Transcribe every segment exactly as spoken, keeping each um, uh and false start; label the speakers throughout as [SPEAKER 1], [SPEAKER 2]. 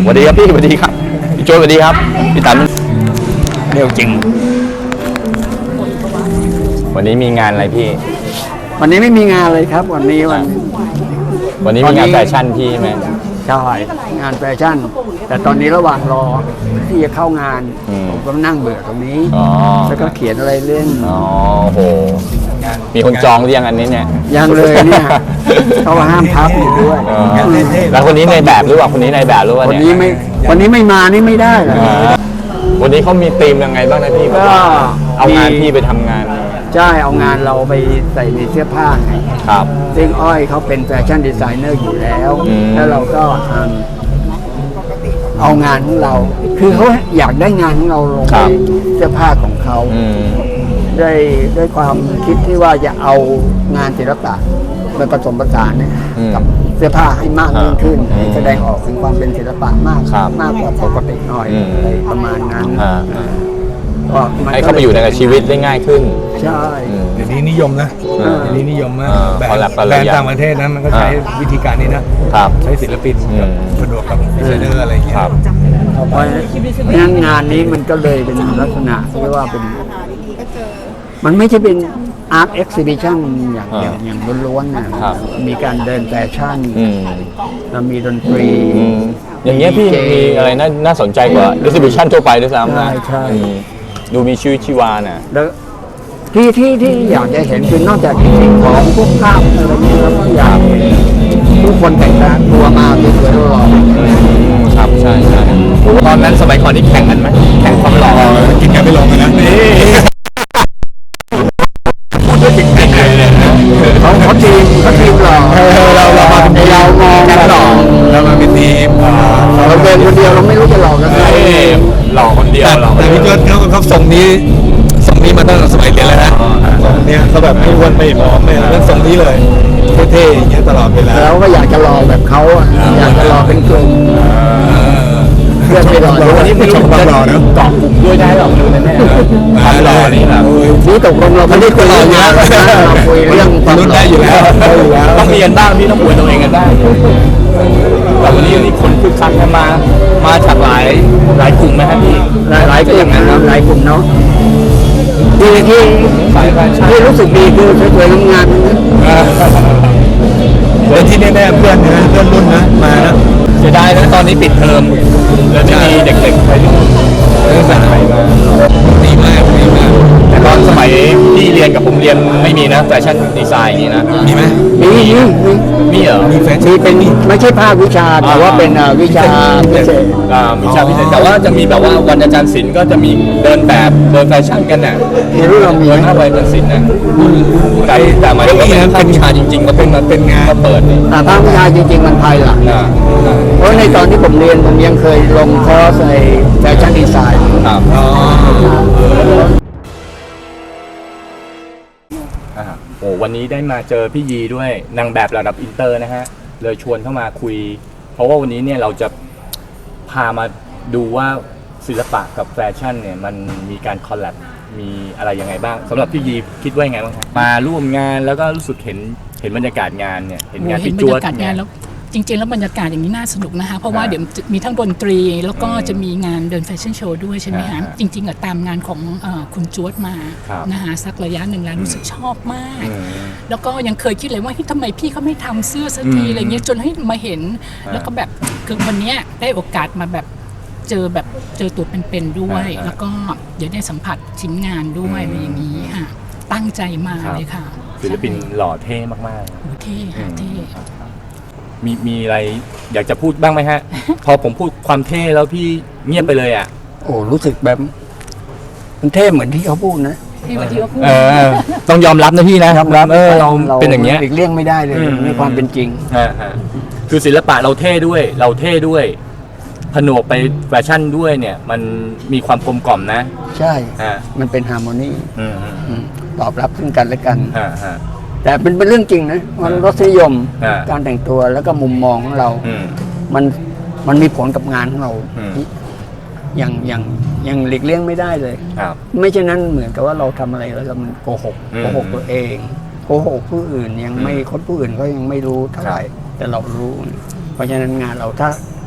[SPEAKER 1] สวัสดีครับพี่สวัสดีครับพี่โจสวัสดีครับพี่ตันเร็วจริงวันนี้มีงานอะไรพี่
[SPEAKER 2] วันนี้ไม่มีงานเลยครับวันนี้วัน
[SPEAKER 1] วันนี้มีงานแฟชั่นพี่ไหม
[SPEAKER 2] ใช่งานแฟชั่นแต่ตอนนี้ระหว่างรอที่จะเข้างานผมก็นั่งเบื่อตรงนี้แล้วก็เขียนอะไรเล่น
[SPEAKER 1] อ๋อโหมีคนจองหรือยังอันนี้เนี่ย
[SPEAKER 2] ยังเลยเนี่ยเขาห้ามพับอยู่ด้วย
[SPEAKER 1] แล้วคนนี้ในแบบหรือเปล่าคนนี้ในแบบหรือว่า
[SPEAKER 2] เนี่ยวันนี้ไม่วันนี้ไม่มานี่ไม่ได้เลย
[SPEAKER 1] วันนี้เขามีธีมยังไงบ้างนะพี่ก็เอางานพี่ไปทำงาน
[SPEAKER 2] ใช่เอางานเราไปใส่ในเสื้อผ้าไง
[SPEAKER 1] ครับ
[SPEAKER 2] ซึ่งอ้อยเขาเป็นแฟชั่นดีไซเนอร์อยู่แล้วแล้วเราก็เอางานของเราคือเขาอยากได้งานของเราลงในเสื้อผ้าของเขาด้วยด้วยความคิดที่ว่าจะเอางานศิลปะมาผสมผสานเนี่ยกับเสื้อผ้าให้มากยิ่งขึ้นให้แสดงออกถึงความเป็นศิลปะมากมากกว่าปกติหน่อยอะไรประมาณนั้น
[SPEAKER 1] ให้เข้าไปอยู่ในชีวิตได้ง่ายขึ้น
[SPEAKER 2] ใช่
[SPEAKER 3] เดี๋ยวนี้นิยมนะเดี๋ยวนี้นิยมมากแบรนด์ต่างประเทศนั้นมันก็ใช้วิธีการนี้นะใช้ศิลปินสะดวกกับดีไซเนอร์อะไรอย่างเงี้ย
[SPEAKER 2] เพราะฉะนั้นงานนี้มันก็เลยเป็นลักษณะที่ว่าเป็นมันไม่ใช่เป็นอาร์ตเอ็กซิบิชันอย่างอย่างอย่างล้วนๆนะมีการเดินแฟชั่นแล้วมีดนตรี
[SPEAKER 1] อย่างเงี้ยพี่มีอะไรน่าน่าสนใจกว่าเอ็กซิบิชันทั่วไปด้วยซ้ำนะดูมีชีวิตชีวาน่ะ
[SPEAKER 2] แล้วที่ที่ที่อยากจะเห็นคือนอกจากสิ่งของพวกภาพอะไรนี้แล้วก็อยากผู้คนแต่งตัวมาสวยๆหล่อ
[SPEAKER 1] ๆครับใช่ใช่ตอนนั้นสมัยก่อนนี่แข่งกันไหมแข่งความหล่อ
[SPEAKER 3] กินกันไม่ลงเลยนะ
[SPEAKER 2] เขาเขาทีมเขาทีมหล่อ
[SPEAKER 3] เราเรามาเป็น
[SPEAKER 2] เรามอง
[SPEAKER 3] หล่อเรามาเป็นทีม
[SPEAKER 2] เราเดินคนเดียวเราไม่รู้จะหล่อกันไหน
[SPEAKER 1] หล่อคนเดียว
[SPEAKER 3] แต่พี่ยศเขาเขาทรงนี้ทรงนี้มาตั้งแต่สมัยเรียนแล้วนะทรงนี้เขาแบบไม่อ้วนไม่ผอมไม่เป็นทรงนี้เลยเท่ๆอย่างเงี้ยตลอดเวลา
[SPEAKER 2] แล้วก็อยากจะหล่อแบบเขาอยากจะหล่อเป็นกลุ่มเพื่อนไปหล่อ
[SPEAKER 1] วันนี้ไม่รู้จะหล่อเนาะเกาะกลุ่มด้วยได้หรอไม่รู้แน่ๆความหล่อนี่แบบ
[SPEAKER 2] นี่ตกลงเราไม่ได้คุยอยู่แล้วเราคุยเรื่องความ
[SPEAKER 3] รู้ได้อยู่แล้ว
[SPEAKER 1] ต้องเรียนบ้างพี่ต้องอวยตัวเองกันได้แต่วันนี้นี่คนคึกคักกันมามาจากหลายหลายกลุ่มไหมครับพี่
[SPEAKER 2] หลายหลายกลุ่มนะหลายกลุ่มเนาะที่ที่ที่รู้สึกดีคือสวยๆงาม
[SPEAKER 3] ๆแต่ที่แน่ๆเพื่อนนะเพื่อนรุ่นนะมานะ
[SPEAKER 1] เสียดายนะตอนนี้ปิดเทอมเลยไม่มีเด็กๆไปที่เรื่องสายมา
[SPEAKER 3] ดีมากดีมาก
[SPEAKER 1] แต่ตอนสมัยที่เรียนกับผมเรียนไม่มีนะแฟชั่นดีไซน์อย่างนี้นะ
[SPEAKER 3] มีไหม
[SPEAKER 2] มีมี
[SPEAKER 1] มีเหรอ
[SPEAKER 3] มีแฟชั่
[SPEAKER 2] นเป็นไม่ใช่ภาควิชาแต่ว่าเป็นวิชาพิเศษ
[SPEAKER 1] อ่าวิชาพิเศษแต่ว่าจะมีแบบว่าวันอาจารย์ศิลป์ก็จะมีเดินแบบเดินแฟชั่นกันน่ะ
[SPEAKER 2] มีรุ่นเรามี
[SPEAKER 1] ถ้าไปเป็นศิลป์น่ะแต่แต่หมายถึงว่าเป็นภาควิชาจริงๆก็เป็นเป็นงานก็เปิดนี่
[SPEAKER 2] แต่ภาควิชาจริงๆมันภายหลังเพราะในตอนที่ผมเรียนผมยังเคยลงคอร์สในแฟชั่นดีไซน์
[SPEAKER 1] ครับโอ้วันนี้ได้มาเจอพี่ยีด้วยนางแบบระดับอินเตอร์นะฮะเลยชวนเข้ามาคุยเพราะว่าวันนี้เนี่ยเราจะพามาดูว่าศิลปะกับแฟชั่นเนี่ยมันมีการคอลแลบมีอะไรยังไงบ้างสำหรับพี่ยีคิดว่ายังไงบ้างครับมาร่วมงานแล้วก็รู้สึกเห็นเห็นบรรยากาศงานเนี่ยเห็นงานพี่จวด
[SPEAKER 4] เนี่ยจริงๆแล้วบรรยากาศอย่างนี้น่าสนุกนะคะเพราะว่าเดี๋ยวมีทั้งดนตรีแล้วก็จะมีงานเดินแฟชั่นโชว์ด้วยใช่ไหมคะจริงๆอะตามงานของคุณจวดมานะคะสักระยะหนึ่งแล้วรู้สึกชอบมากแล้วก็ยังเคยคิดเลยว่าทำไมพี่เขาไม่ทำเสื้อสักทีอะไรเงี้ยจนให้มาเห็นแล้วก็แบบคือวันนี้ได้โอกาสมาแบบเจอแบบเจอตัวเป็นๆด้วยแล้วก็เดี๋ยวได้สัมผัสชิ้นงานด้วยอะไรอย่างนี้ค่ะตั้งใจมาเลยค่ะ
[SPEAKER 1] ศิลปินหล่อเท่มาก
[SPEAKER 4] ๆเท่ค่ะเท่
[SPEAKER 1] มีมีอะไรอยากจะพูดบ้างไหมฮะ พอผมพูดความเท่แล้วพี่เงียบไปเลยอ่ะ
[SPEAKER 2] โอ้รู้สึกแบบมันเท่เหมือนที่เขาพูดนะ
[SPEAKER 4] เท่เหมือนที่เขาพูด
[SPEAKER 1] ต้องยอมรับนะพี่นะครับเออเราเป็นอย่างเงี้ย
[SPEAKER 2] หลีกเลี่ยงไม่ได้เลยในความเป็นจริง
[SPEAKER 1] คือศิลปะเราเท่ด้วยเราเท่ด้วยผนวกไปแฟชั่นด้วยเนี่ยมันมีความกลมกล่อมนะ
[SPEAKER 2] ใช่มันเป็นฮาร์โมนีตอบรับซึ่งกันและกันแต่เป็นเป็นเรื่องจริงนะว่ารสนิยมการแต่งตัวแล้วก็มุมมองของเรามันมันมีผลกับงานของเราอย่างอย่างอย่างหลีกเลี่ยงไม่ได้เลยไม่เช่นนั้นเหมือนกับว่าเราทำอะไรแล้วเรามันโกหกโกหกตัวเองโกหกผู้อื่นยังไม่คนผู้อื่นก็ยังไม่รู้เท่าไหร่แต่เรารู้เพราะฉะนั้นงานเราถ้า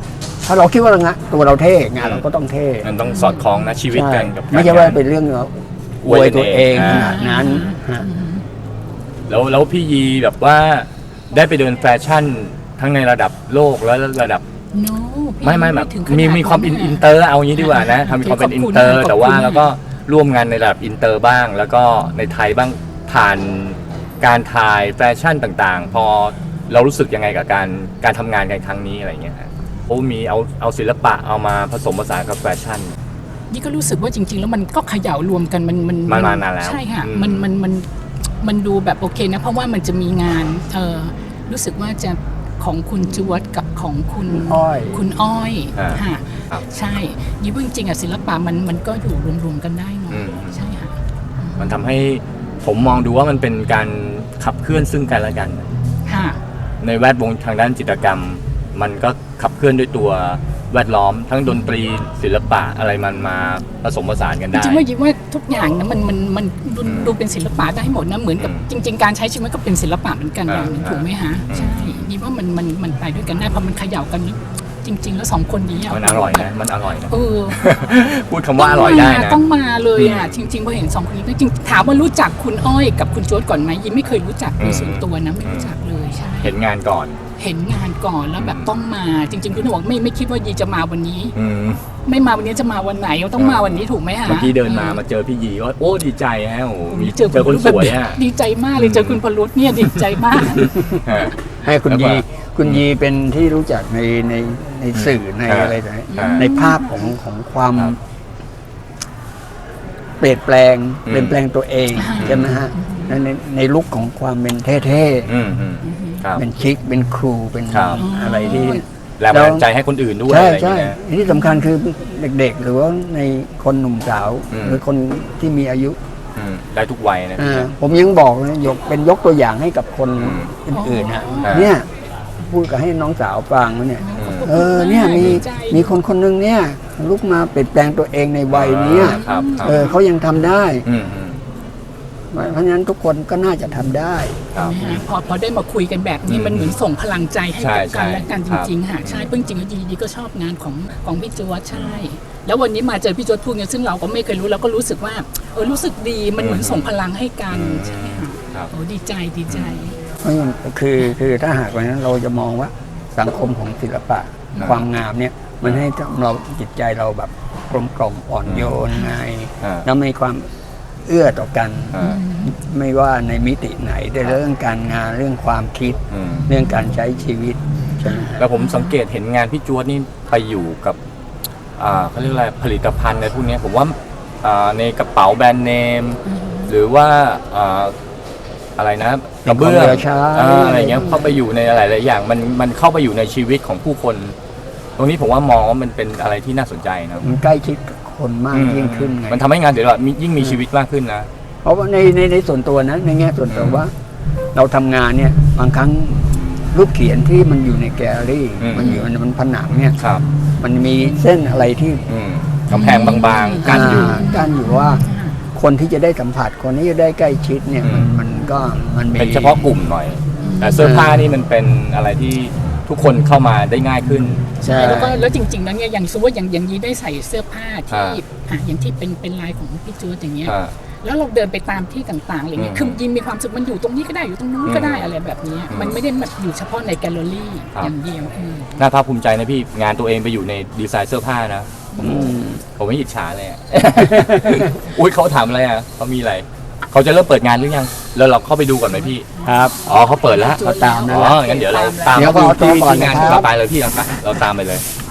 [SPEAKER 2] ถ้าเราคิดว่าเรางะตัวเราเท่งานเราก็ต้องเท่
[SPEAKER 1] มันต้องสอดคล้องนะชีวิตกันกับการ
[SPEAKER 2] ไม่ใช่ว่า
[SPEAKER 1] งน
[SPEAKER 2] เป็นเรื่องอ
[SPEAKER 1] อ
[SPEAKER 2] ว
[SPEAKER 1] วย
[SPEAKER 2] ย
[SPEAKER 1] กัน
[SPEAKER 2] ตัวเอง
[SPEAKER 1] เอง
[SPEAKER 2] ขนาดนั้นฮะ
[SPEAKER 1] แล้วแล้วพี่ยีแบบว่าได้ไปเดินแฟชั่นทั้งในระดับโลกและระดับ
[SPEAKER 4] no พี่
[SPEAKER 1] ไม่ไม่แบบ
[SPEAKER 4] ถึงขนาด
[SPEAKER 1] มีมีความอิน
[SPEAKER 4] ะ
[SPEAKER 1] อินเตอร์เอางี้ดีกว่านะทำมีความเป็น
[SPEAKER 4] ข
[SPEAKER 1] อิ
[SPEAKER 4] อบ
[SPEAKER 1] น
[SPEAKER 4] คุณ
[SPEAKER 1] เตอร์
[SPEAKER 4] ขอบคุณ
[SPEAKER 1] แต่ว่า
[SPEAKER 4] ค่ะ
[SPEAKER 1] แล้วก็ร่วมงานในระดับอินเตอร์บ้าง แล้วก็ในไทยบ้างผ่านการถ่ายแฟชั่นต่างๆ พอเรารู้สึกยังไงกับการการทำงานกันครั้งนี้อะไรเงี้ยฮะโอ้มีเอาเอาศิลปะเอามาผสมผสานกับแฟชั่น
[SPEAKER 4] นี่ก็รู้สึกว่าจริง ๆ แล้วมันก็เขย่ารวมกันมันมัน
[SPEAKER 1] มันมานานแล้ว
[SPEAKER 4] ใช่ค่ะ
[SPEAKER 1] อืม
[SPEAKER 4] มันมันมันมันดูแบบโอเคนะ เพราะว่ามันจะมีงานเออรู้สึกว่าจะของคุณจวดกับของคุณ
[SPEAKER 2] อ้อย
[SPEAKER 4] คุณอ้อย
[SPEAKER 1] อ่า
[SPEAKER 4] ค่ะ
[SPEAKER 1] ครับ
[SPEAKER 4] ใช่ยี่ว่าจริงๆอะศิลปะมันมันก็อยู่รวมๆกันได้เนาะ
[SPEAKER 1] อืม
[SPEAKER 4] ใช่ค่ะ
[SPEAKER 1] มันทำให้ผมมองดูว่ามันเป็นการขับเคลื่อนซึ่งกันและกัน
[SPEAKER 4] ค่ะ
[SPEAKER 1] ในแวดวงทางด้านจิตรกรรม มันก็ขับเคลื่อนด้วยตัวแวดล้อม ทั้งดนตรีศิลปะอะไรมันมาผสมผสานกัน
[SPEAKER 4] จ
[SPEAKER 1] ได้
[SPEAKER 4] ริงๆว่ายิบว่าทุกอย่างนะมันมันมันดู
[SPEAKER 1] อืม
[SPEAKER 4] ดูเป็นศิลปะได้หมดนะเหมือนกับ
[SPEAKER 1] อืม
[SPEAKER 4] จริง ๆ การใช้ชีวิตก็เป็นศิลปะเหมือนกันอ
[SPEAKER 1] อ่า
[SPEAKER 4] ย่างหนึงถูกไหมฮะ
[SPEAKER 1] อืม
[SPEAKER 4] ใช่ยิบว่ามันมันมันไปด้วยกันได้เพราะมันเขย่ากันแล้วจริง ๆ แล้วสองคนนี้ะ
[SPEAKER 1] มันอร่อยนะ มันอร่อยนะ
[SPEAKER 4] เออ
[SPEAKER 1] พูดคำว่าอร่อยได้นะ
[SPEAKER 4] ต้องมาเลยอ่ะจริงๆพอเห็นสองคนนี้ก็จริงถามว่ารู้จักคุณอ้อยกับคุณโจ๊ดก่อนไหมยิมไม่เคยรู้จักโดยส่วนตัวนะไม่รู้จักเลยใช่
[SPEAKER 1] เห็นงานก่อน
[SPEAKER 4] เห็นงานก่อนแล้วแบบ
[SPEAKER 1] อืม
[SPEAKER 4] ต้องมาจริง ๆ คุณบอกไม่ไม่คิดว่ายีจะมาวันนี้
[SPEAKER 1] อืม
[SPEAKER 4] ไม่มาวันนี้จะมาวันไหนต้องมาวันนี้ถูกไหมฮะ
[SPEAKER 1] เมื่อกี้เดินมามาเจอพี่ยีก็โอ้ดีใจฮะโอ้โหมี
[SPEAKER 4] เจอ
[SPEAKER 1] เจอคนสวยฮะ
[SPEAKER 4] ดีใจมากเลยเจอคุณพลุตเนี่ยดีใจมาก
[SPEAKER 1] ฮะ
[SPEAKER 2] ให้คุณ
[SPEAKER 1] แล้วก็
[SPEAKER 2] ยีคุณยีเป็นที่รู้จักในในในสื่อใน
[SPEAKER 1] อ่า
[SPEAKER 2] อะไรต่าง
[SPEAKER 1] อ่า
[SPEAKER 2] ๆในภาพของของความ
[SPEAKER 1] ครับ
[SPEAKER 2] เปลี่ยนแปลง
[SPEAKER 1] อืม
[SPEAKER 2] เปลี่ยนแปลงตัวเอง
[SPEAKER 4] อ่า
[SPEAKER 2] ใช่ไหมฮะในในในลุคของความเป็นเท่
[SPEAKER 1] อืมอืมครับ
[SPEAKER 2] ๆเป็นชิคเป็นครูเป็น
[SPEAKER 1] ครับ
[SPEAKER 2] อะไรที่
[SPEAKER 1] แรงบันดาลใจให้คนอื่นด้วย
[SPEAKER 2] ใช่
[SPEAKER 1] อะไรอย่าง
[SPEAKER 2] ใช่
[SPEAKER 1] เงี้ยนะ
[SPEAKER 2] ที่สำคัญคือเด็กๆ หรือว่าในคนหนุ่มสาว
[SPEAKER 1] อืม
[SPEAKER 2] หรือคนที่มีอายุ
[SPEAKER 1] อืมได้ทุกวัยนะพี่
[SPEAKER 2] อ่า
[SPEAKER 1] นะ
[SPEAKER 2] ผมยังบอกนะยกเป็นยกตัวอย่างให้กับคน
[SPEAKER 1] อืม
[SPEAKER 2] อื่นๆนะ
[SPEAKER 1] อ่า
[SPEAKER 2] เนี่ยพูดกับให้น้องสาวฟังว่าเนี่ย
[SPEAKER 1] อืม
[SPEAKER 2] เออเนี่ยมี
[SPEAKER 4] ดีใจ
[SPEAKER 2] มีคนคนหนึงเนี่ยลุกมาเปลี่ยนแปลงตัวเองในวัยเนี้ย
[SPEAKER 1] ครับครับ
[SPEAKER 2] เออเขายังทำได้
[SPEAKER 1] อืมอืม
[SPEAKER 2] เพราะฉะนั้นทุกคนก็น่าจะทำได้
[SPEAKER 1] ครับ
[SPEAKER 4] นะฮะพอพอได้มาคุยกันแบบนี้
[SPEAKER 1] อืม
[SPEAKER 4] มันเหมือนส่งพลังใจให้
[SPEAKER 1] ใช่
[SPEAKER 4] กับกัน
[SPEAKER 1] ใช่
[SPEAKER 4] และกันจ
[SPEAKER 1] ครับ
[SPEAKER 4] ริงๆค่ะใช่เพิ่งจริงๆดีดีก็ชอบงานของของพี่จวดใช่ แล้ววันนี้มาเจอพี่จวดพูดเนี่ยซึ่งเราก็ไม่เคยรู้เราก็รู้สึกว่าเออรู้สึกดีมันเหมือนส่งพลังให้กัน
[SPEAKER 1] อืม
[SPEAKER 4] ใช่ค่ะ
[SPEAKER 1] ครับ
[SPEAKER 4] โอ้ดีใจดีใจ
[SPEAKER 2] เพราะฉะนั้นคือคือถ้าหากวันนั้นเราจะมองว่าสังคมของศิลปะ
[SPEAKER 1] ครับ
[SPEAKER 2] ความงามเนี่ยมันให้เราจิตใจเราแบบกลมกล่อมอ่อนโยนไง
[SPEAKER 1] อ่า
[SPEAKER 2] แล้วมีความเอื้อต่อกัน
[SPEAKER 1] อ่า
[SPEAKER 2] ไม่ว่าในมิติไหนแต่เรื่องการงานเรื่องความคิด
[SPEAKER 1] อืม
[SPEAKER 2] เรื่องการใช้ชีวิตใช่ไหมฮะ
[SPEAKER 1] แล้วผมสังเกตเห็นงานพี่จวดนี่ไปอยู่กับอ่าเขาเรียกอะไรผลิตภัณฑ์อะไรพวกเนี้ยผมว่าอ่าในกระเป๋าแบรนด์เนม หรือว่าอ่าอะไรนะกระเบื้อง
[SPEAKER 2] ในของเหลือใช้
[SPEAKER 1] อ่าอะไรเงี้ยเข้าไปอยู่ในหลายๆอย่างมันมันเข้าไปอยู่ในชีวิตของผู้คน ตรงนี้ผมว่ามองว่ามันเป็นอะไรที่น่าสนใจนะ
[SPEAKER 2] มันใกล้ชิดกับคนมากยิ่งขึ้นไง
[SPEAKER 1] มันทำให้งานศิลปะมียิ่งมีชีวิตมากขึ้นนะ
[SPEAKER 2] เพราะว่าในในในส่วนตัวนะในแง่ส่วนตัวว่า เราทำงานเนี่ยบางครั้งรูปเขียนที่มันอยู่ในแกลเลอรี่
[SPEAKER 1] อืม
[SPEAKER 2] มันอยู่ในมันผนังเนี่ย
[SPEAKER 1] ครับ
[SPEAKER 2] มันมีเส้นอะไรที่
[SPEAKER 1] อืมกำแพงบางๆกันอยู่
[SPEAKER 2] ากั้นอยู่ว่าคนที่จะได้สัมผัสคนที่จะได้ใกล้ชิดเนี่ยมัน
[SPEAKER 1] อืม
[SPEAKER 2] มันก็มันมี
[SPEAKER 1] เป็นเฉพาะกลุ่มหน่อย แต่เสื้อผ้านี่มันเป็นอะไรที่ทุกคนเข้ามาได้ง่ายขึ้น
[SPEAKER 2] ใช่
[SPEAKER 4] แล้วก็แล้วจริงๆแล้วเนี่ยอย่างสมมติว่าอย่างอย่างนี้ได้ใส่เสื้อผ้าที่
[SPEAKER 1] อ่า
[SPEAKER 4] อ่ะอย่างที่เป็นเป็นลายของพี่จวดอย่างเงี้ย
[SPEAKER 1] อ่า
[SPEAKER 4] แล้วเราเดินไปตามที่ต่างๆอะไรเงี้ย
[SPEAKER 1] อืม
[SPEAKER 4] คือยิมมีความสุขมันอยู่ตรงนี้ก็ได้อยู่ตรงนู้นก็ได้อะไรแบบเนี้ย
[SPEAKER 1] อืม
[SPEAKER 4] มันไม่ได้แบบอยู่เฉพาะในแกลเลอรี่
[SPEAKER 1] ครับ
[SPEAKER 4] อย่างเดียวเออ
[SPEAKER 1] น่าภาคภูมิใจนะพี่งานตัวเองไปอยู่ในดีไซน์เสื้อผ้านะ
[SPEAKER 2] อืม
[SPEAKER 1] ผมไม่อิจฉาเลยอะ อุ้ยเขาถามอะไรอ่ะเขามีอะไรเขาจะเริ่มเปิดงานหรือยังแล้วเราเข้าไปดูก่อนไหมพี่
[SPEAKER 2] ครับ
[SPEAKER 1] อ๋อเขาเปิดแล้ว
[SPEAKER 2] เขาตามนั่น
[SPEAKER 1] อ๋
[SPEAKER 2] แห
[SPEAKER 1] อ
[SPEAKER 2] ละ
[SPEAKER 1] งั้นเดี๋ยวเราตาม
[SPEAKER 2] เดี๋ยว
[SPEAKER 1] ไปดู
[SPEAKER 2] ขอตัว
[SPEAKER 1] ที่
[SPEAKER 2] ก่อน
[SPEAKER 1] ที่งาน
[SPEAKER 2] นะครับ
[SPEAKER 1] เราไปเลยพี่เราไปเราตามไปเลย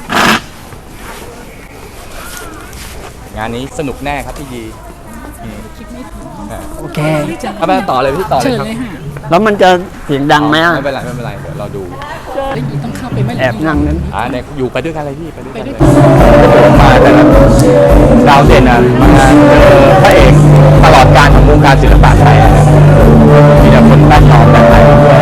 [SPEAKER 1] งานนี้สนุกแน่ครับพี่ยีอืม
[SPEAKER 4] คิดไม่ถึง
[SPEAKER 1] อ่ะ
[SPEAKER 2] โอเค
[SPEAKER 1] เอาไปต่อเลยพี่ต่อเล
[SPEAKER 4] เชิ
[SPEAKER 1] ย
[SPEAKER 4] ญ
[SPEAKER 1] ครับ
[SPEAKER 4] เลยค่ะ
[SPEAKER 2] แล้วมันจะเสียงดังไหมอ่ะ
[SPEAKER 1] ไม่เป็นไรไม่เป็นไรเดี๋ยวเราดู
[SPEAKER 4] แล้วยิมต้องเข้าไปไม่
[SPEAKER 2] แอบนั่งนั้น
[SPEAKER 1] อ่าเนี่ยอยู่ไปด้วยกันเลยพี่ไปด้วย
[SPEAKER 4] ไป
[SPEAKER 1] กัน
[SPEAKER 4] ด้
[SPEAKER 1] เล
[SPEAKER 4] วย
[SPEAKER 1] ย
[SPEAKER 4] กัน
[SPEAKER 1] มาแต่ละดาวเด่นอ่ะมาเจอพระเอกตลอดการของวงการศิลปะไทยอะนะมีแต่คนแวดล้อมแบบไทยด้วย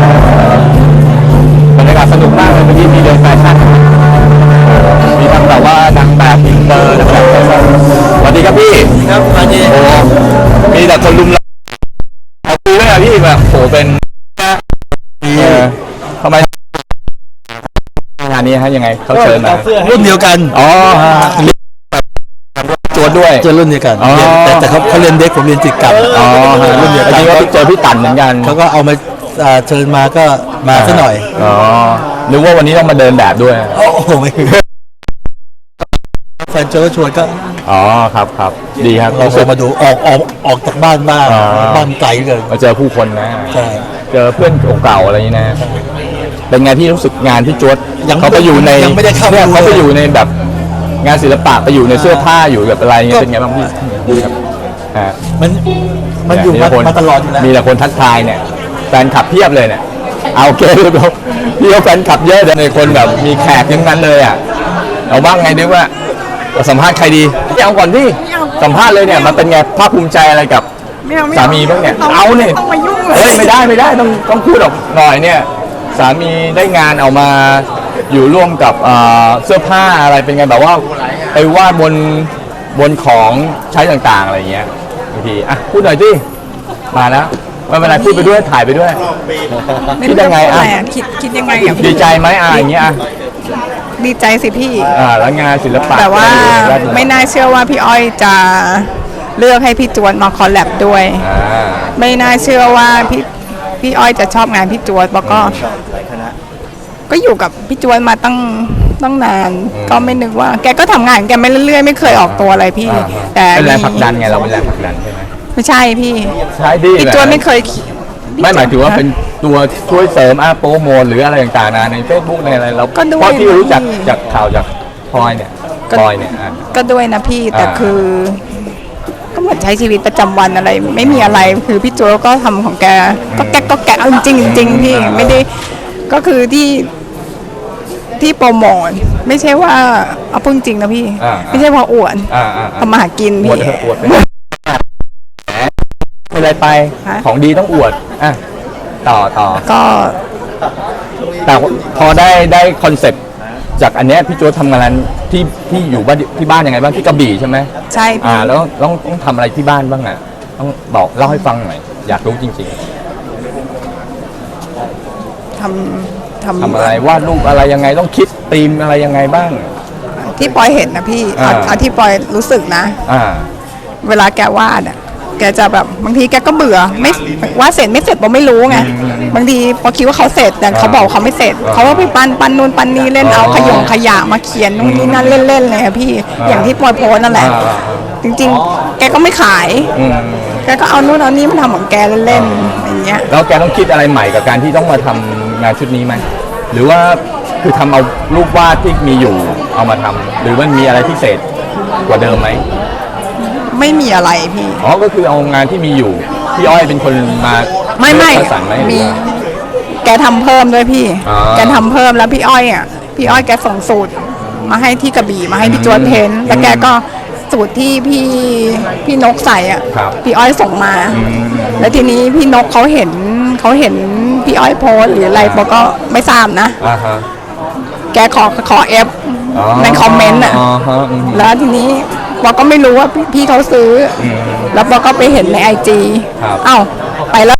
[SPEAKER 1] บรรยากาศสนุกมากเลยเมื่อกี้มีเดินแฟชั่นมีทั้งแบบว่านางแบบอินเตอร์นางแบบแฟชั่นสวัสดีครับพี่ครับสวัสดีโอ้มีแต่คนลุมเราเอาคุยด้วยอะพี่แบบโหเป็นเออทำไมงานนี้นี้ฮะยังไงเขาเชิญมา
[SPEAKER 5] รุ่นเดียวกัน
[SPEAKER 1] อ๋อฮะจวดด้วย
[SPEAKER 5] เจอรุ่นเดียวกัน
[SPEAKER 1] อ๋อ
[SPEAKER 5] เรียนแต่แต่เขาเขาเรียนเด็กผมเรียนติดกัน
[SPEAKER 1] อ๋อฮะ
[SPEAKER 5] รุ่นเดียว
[SPEAKER 1] อัน
[SPEAKER 5] กัน
[SPEAKER 1] นี้ก็เจอพี่ตันเหมือนกัน
[SPEAKER 5] เขาก็เอามาอ่าเชิญมาก็มาซะหน่อย
[SPEAKER 1] อ๋อนึกว่าวันนี้ต้องมาเดินแบบด้วย
[SPEAKER 5] โอ้โหไม่แฟนโจก็ชวนก็
[SPEAKER 1] อ๋อครับครับดีครับ
[SPEAKER 5] เรา
[SPEAKER 1] รู้
[SPEAKER 5] เค
[SPEAKER 1] สึ
[SPEAKER 5] ย
[SPEAKER 1] ก
[SPEAKER 5] มาดูออกออกออกจากบ้านบ้าง
[SPEAKER 1] อ๋อ
[SPEAKER 5] บ้านไกลเกิน
[SPEAKER 1] มาเจอผู้คนนะ
[SPEAKER 5] ใช่
[SPEAKER 1] เจอเพื่อนเก่าๆอะไรอย่างนี้นะเป็นไงที่รู้สึกงานที่จวด
[SPEAKER 5] ยัง
[SPEAKER 1] เขาไปอยู่ใน
[SPEAKER 5] ยังไม่ได้เข้า
[SPEAKER 1] เนี่ย
[SPEAKER 5] ดู
[SPEAKER 1] เขาไป
[SPEAKER 5] เลย
[SPEAKER 1] อยู่ในแบบงานศิลปะไปอยู่ในเสื้อผ้าอยู่แบบอะไรเงี้ยเป็นไงบ้างพี่ครับอ่า
[SPEAKER 5] มันมันอยู่มามาตลอดอยู่แล้ว
[SPEAKER 1] มีแต่คนทักทายเนี่ยแฟนคลับเพียบเลยเนี่ยเอาโอเคพี่พี่เขาแฟนคลับเยอะแต่ในคนแบบมีแขกทั้งนั้นเลยอ่ะเอาบ้างไงดีว่าสัมภาษณ์ใครดีพี่เอาก่อนพี่สัมภาษณ์เลยเนี่ยมันเป็นไงภาคภูมิใจอะไรกับสามีบ้างเนี่ยเอาเนี่ยเฮ้ยไม่ได้ไม่ได้ต้องต้องพูดออกหน่อยเนี่ยสามีได้งานเอามาอยู่ร่วมกับเอ่อเสื้อผ้าอะไรเป็นไงแบบว่าไปวาดบนบนของใช้ต่างๆอะไรอย่างเงี้ยบางทีอ่ะพูดหน่อยสิมาแล้วไม่เป็นไรพูดไปด้วยถ่ายไปด้วยคิดยังไงอ่ะ
[SPEAKER 6] คิดคิดยังไงอ่ะ
[SPEAKER 1] ดีใจไหมอ่ะอย่างเงี้ยอ่ะ
[SPEAKER 6] ดีใจสิพี่
[SPEAKER 1] อ่าแล้วงานศิลปะ
[SPEAKER 6] แต่ว่า
[SPEAKER 1] ด้านหน
[SPEAKER 6] ไม่น่าเชื่อว่าพี่อ้อยจะเลือกให้พี่จวนมาคอลแลบด้วย
[SPEAKER 1] อ่า
[SPEAKER 6] ไม่น่าเชื่อว่าพี่พี่อ้อยจะชอบงานพี่จวนแล้วก็ก็อยู่กับพี่จวนมาตั้งตั้งนาน ก็ไม่นึกว่า แกก็ทำงานของแกไม่เรื่อยๆไม่เคยออกตัวอะไรพี่
[SPEAKER 1] อ่า
[SPEAKER 6] แต่
[SPEAKER 1] เป็นแรง
[SPEAKER 6] มี
[SPEAKER 1] ผลักดันไงเราเป็นแรงผลักดันใช่ไหม
[SPEAKER 6] ไม่ใช่พี่
[SPEAKER 1] ใช่ดิ
[SPEAKER 6] พี่จวนไม่เคยคิด
[SPEAKER 1] ไม่หมายถึงว่าเป็นตัวช่วยเสริมอาโปรโมทหรืออะไรต่างๆนะใน Facebook ในอะไรเรา
[SPEAKER 6] ก็ด้วย
[SPEAKER 1] เพราะที่รู้จัก
[SPEAKER 6] พี่
[SPEAKER 1] จากข่าวจากพลอยเนี่ย
[SPEAKER 6] ก็
[SPEAKER 1] พลอยเนี่ยอ่ะ
[SPEAKER 6] ก็ด้วยนะพี่แต่
[SPEAKER 1] อ่า
[SPEAKER 6] คือ ก็เหมือนใช้ชีวิตประจำวันอะไร ไม่มีอะไรคือพี่โจก็ทำของแกก็แกะก็แกะเอาจริงๆจริงๆพี่ไม่ได้ก็คือที่ที่โปรโมทไม่ใช่ว่าเอาพูดจริงนะพี่
[SPEAKER 1] อ่า
[SPEAKER 6] ไม่ใช่พออวด
[SPEAKER 1] อ่าอ่าอ่า
[SPEAKER 6] ทำมาหากิน
[SPEAKER 1] อวด
[SPEAKER 6] พี่
[SPEAKER 1] เถอะอวดไปแหมเป็นไรไป
[SPEAKER 6] ฮะ
[SPEAKER 1] ของดีต้องอวดอ่ะต่อต่อ
[SPEAKER 6] ก็
[SPEAKER 1] แต่พอได้ได้คอนเซ็ปต์จากอันเนี้ยพี่โจทำงานที่ที่อยู่บ้านที่บ้านยังไงบ้างที่กระบี่ใช่ไหม
[SPEAKER 6] ใช่
[SPEAKER 1] อ่า
[SPEAKER 6] พี่
[SPEAKER 1] แล้วต้องต้องทำอะไรที่บ้านบ้างอ่ะต้องบอกเล่าให้ฟังหน่อยอยากรู้จริง
[SPEAKER 6] ทำท
[SPEAKER 1] ๆทำอะไรวาดรูปอะไรยังไงต้องคิดธีมอะไรยังไงบ้าง
[SPEAKER 6] ำที่ปอยเห็นนะพี่เอา
[SPEAKER 1] อ่า
[SPEAKER 6] เอาที่ปอยรู้สึกนะ
[SPEAKER 1] อ่า
[SPEAKER 6] เวลาแกวาดอ่ะ แกจะแบบบางทีแกก็เบื่อไม่วาดเสร็จไม่เสร็จปอไม่รู้ไงบางทีปอคิดว่าเขาเสร็จแต่เขาบอกเขาไม่เสร็จ
[SPEAKER 1] อ่า
[SPEAKER 6] เขาก็ไปปั้นปั้นนู่นปั้นนี่เล่น
[SPEAKER 1] อ๋อ
[SPEAKER 6] เอาขยงขยะมาเขียนนู่นนี่นั่นเล่นๆเลยค่ะพี่
[SPEAKER 1] อ่า
[SPEAKER 6] อย่างที่ปอยโพสต์นั่นแหละ
[SPEAKER 1] อ่าอ่าอ่า
[SPEAKER 6] จริงๆ แกก็ไม่ขาย
[SPEAKER 1] อืม
[SPEAKER 6] แกก็เอานู่นเอานี่มาทำของแกเล่นๆอย่างเงี้ย
[SPEAKER 1] แล้วแกต้องคิดอะไรใหม่กับการที่ต้องมาทำงานชุดนี้ไหมหรือว่าคือทำเอารูปวาดที่มีอยู่เอามาทำหรือมันมีอะไรพิเศษกว่าเดิมไหม
[SPEAKER 6] ไม่มีอะไรพี่
[SPEAKER 1] อ๋อก็คือเอางานที่มีอยู่พี่อ้อยเป็นคนมา
[SPEAKER 6] ไม่ไม่
[SPEAKER 1] เลือกคัดสรรไหมหรือ
[SPEAKER 6] มี
[SPEAKER 1] ว่า
[SPEAKER 6] แกทำเพิ่มด้วยพี่
[SPEAKER 1] อ๋อ
[SPEAKER 6] แกทำเพิ่มแล้วพี่อ้อยอ่ะพี่อ้อยแกส่งสูตรมาให้ที่กระบี่มาให้พี่จวนเพ้นท์แล้วแกก็สูตรที่พี่พี่นกใส่อ่ะ
[SPEAKER 1] ครับ
[SPEAKER 6] พี่อ้อยส่งมา แล้วทีนี้พี่นกเขาเห็นเขาเห็นพี่อ้อยโพสต์หรืออะไรบอกก็ไม่ทราบนะ
[SPEAKER 1] อ่าฮะ
[SPEAKER 6] แกขอขอเอฟ
[SPEAKER 1] อ๋อ
[SPEAKER 6] ในคอมเมนต์อ่ะ
[SPEAKER 1] อ๋อฮะอืม
[SPEAKER 6] แล้วทีนี้บอกก็ไม่รู้ว่าพี่พี่เขาซื้ออแล้วบอกก็ไปเห็นในไอจี
[SPEAKER 1] ครับ
[SPEAKER 6] เอ้าไปแล้ว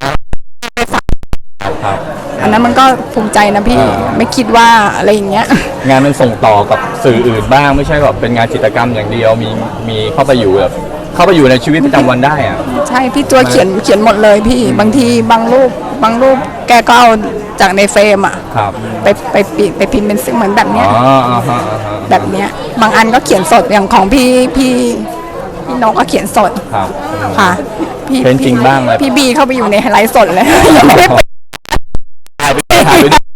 [SPEAKER 1] ครับ
[SPEAKER 6] อันนั้นมันก็ภูมิใจนะพี่
[SPEAKER 1] อ่า
[SPEAKER 6] ไม่คิดว่าอะไรอย่างเงี้ย
[SPEAKER 1] งานมันส่งต่อกับสื่ออื่นบ้างไม่ใช่แบบเป็นงานจิตรกรรมอย่างเดียวมีมีเข้าไปอยู่แบบเข้าไปอยู่ในชีวิตประจำวันได้อ่ะ
[SPEAKER 6] ใช่พี่ตัวเขียนเขียนหมดเลยพี่บางทีบางรูปบางรูปแกก็เอาจากในเฟรมอ่ะ
[SPEAKER 1] ครับ
[SPEAKER 6] ไปไปปิดไปพิมพ์เป็นเหมือนแบบ
[SPEAKER 1] อ๋
[SPEAKER 6] เนี้
[SPEAKER 1] อย อ่าฮะอ่าฮะ
[SPEAKER 6] แบบเนี้ย บางอันก็เขียนสดอย่างของพี่พี่พี่น้องก็เขียนสด
[SPEAKER 1] ครับ
[SPEAKER 6] ค่ะพี่
[SPEAKER 1] เป็นจริงบ้างเลย
[SPEAKER 6] พี่บีเข้าไปอยู่ในไลฟ์สดเลย ยังไม่ได้เปิด
[SPEAKER 1] ถ่ายไปถ่ายไปด้วย